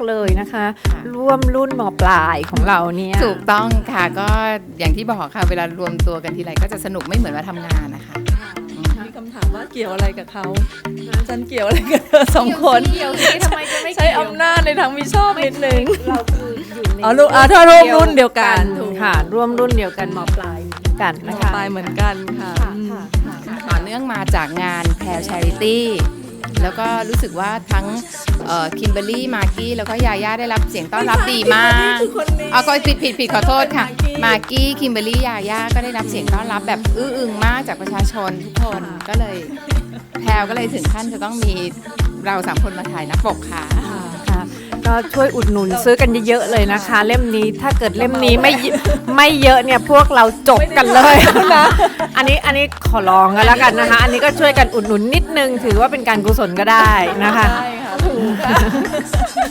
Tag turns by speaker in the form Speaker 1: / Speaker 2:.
Speaker 1: เลยนะคะ ร่วมรุ่นมปลายของเราเนี่ย
Speaker 2: ถูกต้องค่ะก็อย่างที่บอกค่ะเวลารวมตัวกันทีไรก็จะสนุกไม่เหมือนมาทำงานนะคะ
Speaker 3: มีคำถามว่าเกี่ยวอะไรกับเขาฉันเกี่ยวอะไรกับเธอสองคน
Speaker 1: เกี่ยวสิทำไมจะไม่
Speaker 3: ใช้อำนาจในทางมิชอบนิดนึง
Speaker 1: เราคืออยู่ใน
Speaker 3: ถ้าร่วมรุ่นเดียวกัน
Speaker 1: ค่ะร่วมรุ่นเดียวกันมปลายกันนะคะ
Speaker 3: ปลายเหมือนกันค่ะ
Speaker 2: ต่อเนื่องมาจากงานแพลชาริตี้แล้วก็รู้สึกว่าทั้งคิมเบอร์รี่มากกี้แล้วก็ยาย่าได้รับเสียงต้อนรับดีมากก็ผิดขอโทษค่ะมากกี้คิมเบอร์รี่ยาย่าก็ได้รับเสียงต้อนรับแบบอื้ออึงมากจากประชาชนทุกคนก็เลยแพลก็เลยถึงขั้นจะต้องมีเรา3คนมาถ่ายหน้าปกค่ะ
Speaker 1: ค่ะก็ช่วยอุดหนุนซื้อกันเยอะๆเลยนะคะ เล่มนี้ถ้าเกิดเล่มนี้ไม่เยอะเนี่ยพวกเราจบกันเลยนะอันนี้ขอลองกันแล้วกันนะคะ อันนี้ก็ช่วยกันอุดหนุนนิดนึงถือว่าเป็นการกุศลก็ได้นะคะ
Speaker 3: ได้ค่ะถูกค่ะ